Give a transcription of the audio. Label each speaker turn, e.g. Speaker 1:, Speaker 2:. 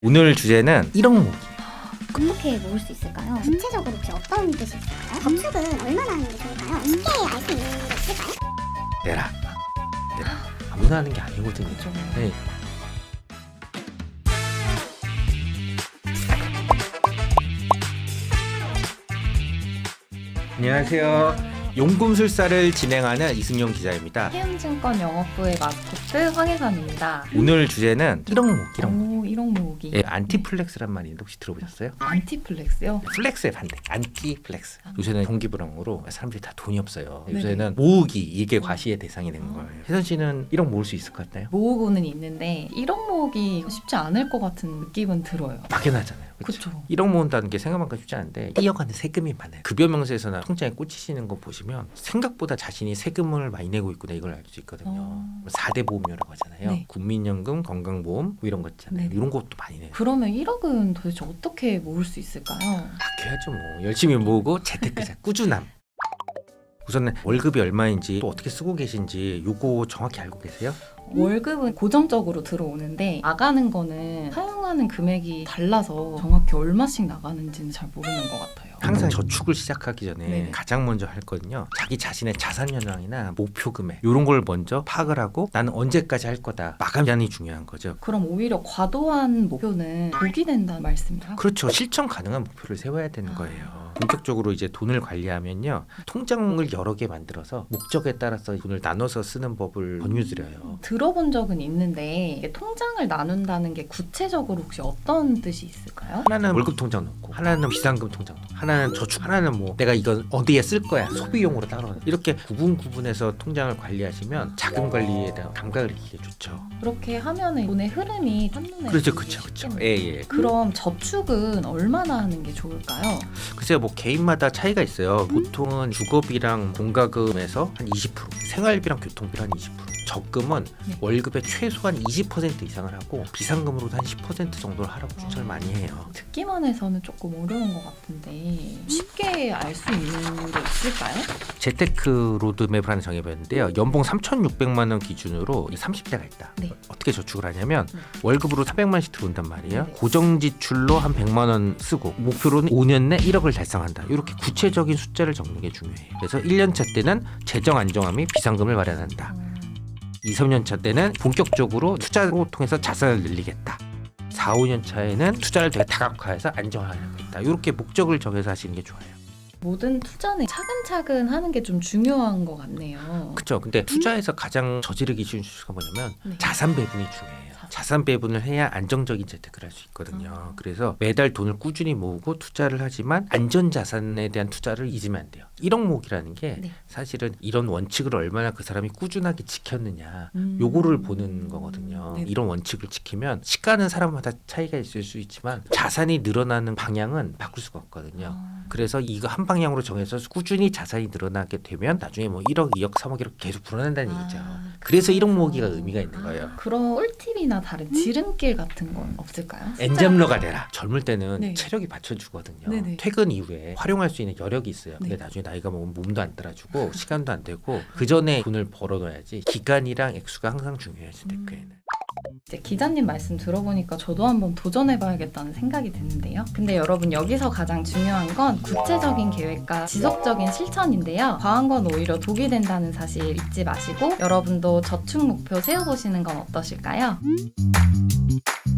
Speaker 1: 오늘 주제는 1억 모으기.
Speaker 2: 어떻게 모을 수 있을까요? 구체적으로 혹시 어떤 뜻이 있을까요? 저축은 얼마나 하는 게 좋을까요? 쉽게 알 수 있는 게 있을까요?
Speaker 1: 내라. 아무나 하는 게 아니거든요.
Speaker 3: 그렇죠.
Speaker 1: 네. 안녕하세요. 용금술사를 진행하는 이승용 기자입니다.
Speaker 3: 해운증권 영업부의 마스코트 황혜선입니다.
Speaker 1: 오늘 주제는 1억 모으기. 1억 모으기.
Speaker 3: 오, 1억 모으기.
Speaker 1: 예, 안티플렉스란 말인데 혹시 들어보셨어요?
Speaker 3: 안티플렉스요?
Speaker 1: 플렉스의 반대, 안티플렉스. 요새는 경기불황으로 사람들이 다 돈이 없어요.
Speaker 3: 네네.
Speaker 1: 요새는 모으기, 이게 과시의 대상이 된 거예요. 혜선 씨는 1억 모을 수 있을 것 같나요?
Speaker 3: 모으고는 있는데 1억 모으기 쉽지 않을 것 같은 느낌은 들어요.
Speaker 1: 막연하잖아요. 그렇죠?
Speaker 3: 그렇죠.
Speaker 1: 1억 모은다는 게 생각만큼 쉽지 않은데 뛰어가는 세금이 많아요. 급여 명세서나 통장에 꽂히시는 거 보시면 생각보다 자신이 세금을 많이 내고 있구나 이걸 알 수 있거든요. 4대 보험료라고 하잖아요.
Speaker 3: 네.
Speaker 1: 국민연금, 건강보험 뭐 이런 거 있잖아요.
Speaker 3: 네네.
Speaker 1: 이런 것도 많이 내요.
Speaker 3: 그러면 1억은 도대체 어떻게 모을 수 있을까요?
Speaker 1: 아껴야죠 뭐. 열심히 모으고 재테크자 꾸준함. 우선은 월급이 얼마인지 또 어떻게 쓰고 계신지 요거 정확히 알고 계세요?
Speaker 3: 월급은 고정적으로 들어오는데 나가는 거는 사용하는 금액이 달라서 정확히 얼마씩 나가는지는 잘 모르는 것 같아요.
Speaker 1: 항상 저축을 시작하기 전에
Speaker 3: 네네.
Speaker 1: 가장 먼저 할 거는요. 자기 자신의 자산 현황이나 목표 금액 이런 걸 먼저 파악을 하고 나는 언제까지 할 거다. 마감이 중요한 거죠.
Speaker 3: 그럼 오히려 과도한 목표는 독이 된다는 말씀이에요?
Speaker 1: 그렇죠. 실천 가능한 목표를 세워야 되는 거예요. 본격적으로 이제 돈을 관리하면요. 통장을 여러 개 만들어서 목적에 따라서 돈을 나눠서 쓰는 법을 권유드려요.
Speaker 3: 들어본 적은 있는데 이게 통장을 나눈다는 게 구체적으로 혹시 어떤 뜻이 있을까요?
Speaker 1: 하나는 월급 통장 넣고 하나는 비상금 통장 넣고 하나는 저축 하나는 뭐 내가 이건 어디에 쓸 거야 소비용으로 따로 이렇게 구분해서 통장을 관리하시면 자금 관리에 대한 감각을 익히기 좋죠.
Speaker 3: 그렇게 하면은 돈의 흐름이 한눈에
Speaker 1: 그렇죠.
Speaker 3: 보일 수
Speaker 1: 그렇죠.
Speaker 3: 있겠네요.
Speaker 1: 예.
Speaker 3: 그럼 저축은 얼마나 하는 게 좋을까요?
Speaker 1: 글쎄요, 뭐 개인마다 차이가 있어요. 보통은 주거비랑 공과금에서 한 20%, 생활비랑 교통비랑 한 20%, 적금은
Speaker 3: 네.
Speaker 1: 월급의 최소한 20% 이상을 하고 비상금으로도 한 10% 정도를 하라고 추천을 많이 해요.
Speaker 3: 듣기만 해서는 조금 어려운 것 같은데 쉽게 알 수 있는 게 있을까요?
Speaker 1: 재테크 로드맵을 하나 정해봤는데요. 연봉 3,600만 원 기준으로 30대가 있다.
Speaker 3: 네.
Speaker 1: 어떻게 저축을 하냐면
Speaker 3: 네.
Speaker 1: 월급으로 400만 원씩 들어온단 말이에요.
Speaker 3: 네.
Speaker 1: 고정 지출로 한 100만 원 쓰고 목표로는 5년 내 1억을 달성한다. 이렇게 구체적인 숫자를 적는 게 중요해요. 그래서 1년차 때는 재정 안정화 및 비상금을 마련한다. 2, 3년 차 때는 본격적으로 투자로 통해서 자산을 늘리겠다. 4, 5년 차에는 투자를 되게 다각화해서 안정화하겠다. 이렇게 목적을 정해서 하시는 게 좋아요.
Speaker 3: 모든 투자는 차근차근 하는 게 좀 중요한 것 같네요.
Speaker 1: 그렇죠. 근데 투자에서 가장 저지르기 쉬운 수가 뭐냐면
Speaker 3: 네.
Speaker 1: 자산 배분이 중요해요. 자산 배분을 해야 안정적인 재테크를 할 수 있거든요. 그래서 매달 돈을 꾸준히 모으고 투자를 하지만 안전자산에 대한 투자를 잊으면 안 돼요. 1억 모으기라는 게
Speaker 3: 네.
Speaker 1: 사실은 이런 원칙을 얼마나 그 사람이 꾸준하게 지켰느냐 요거를 보는 거거든요.
Speaker 3: 네.
Speaker 1: 이런 원칙을 지키면 시가는 사람마다 차이가 있을 수 있지만 자산이 늘어나는 방향은 바꿀 수가 없거든요. 그래서 이거 한 방향으로 정해서 꾸준히 자산이 늘어나게 되면 나중에 뭐 1억, 2억, 3억 이렇게 계속 불어난다는 얘기죠. 그래서 1억 모으기가 의미가 있는 거예요.
Speaker 3: 그런 꿀팁이나 다른 지름길 같은 건 없을까요?
Speaker 1: 엔잡러가 되라. 젊을 때는
Speaker 3: 네.
Speaker 1: 체력이 받쳐주거든요.
Speaker 3: 네네.
Speaker 1: 퇴근 이후에 활용할 수 있는 여력이 있어요. 근데
Speaker 3: 네.
Speaker 1: 나중에 나이가 먹으면 몸도 안 따라주고 시간도 안 되고 그 전에 돈을 벌어둬야지. 기간이랑 액수가 항상 중요해요. 재테크에는.
Speaker 3: 이제 기자님 말씀 들어보니까 저도 한번 도전해봐야겠다는 생각이 드는데요. 근데 여러분 여기서 가장 중요한 건 구체적인 계획과 지속적인 실천인데요. 과한 건 오히려 독이 된다는 사실 잊지 마시고 여러분도 저축 목표 세워보시는 건 어떠실까요?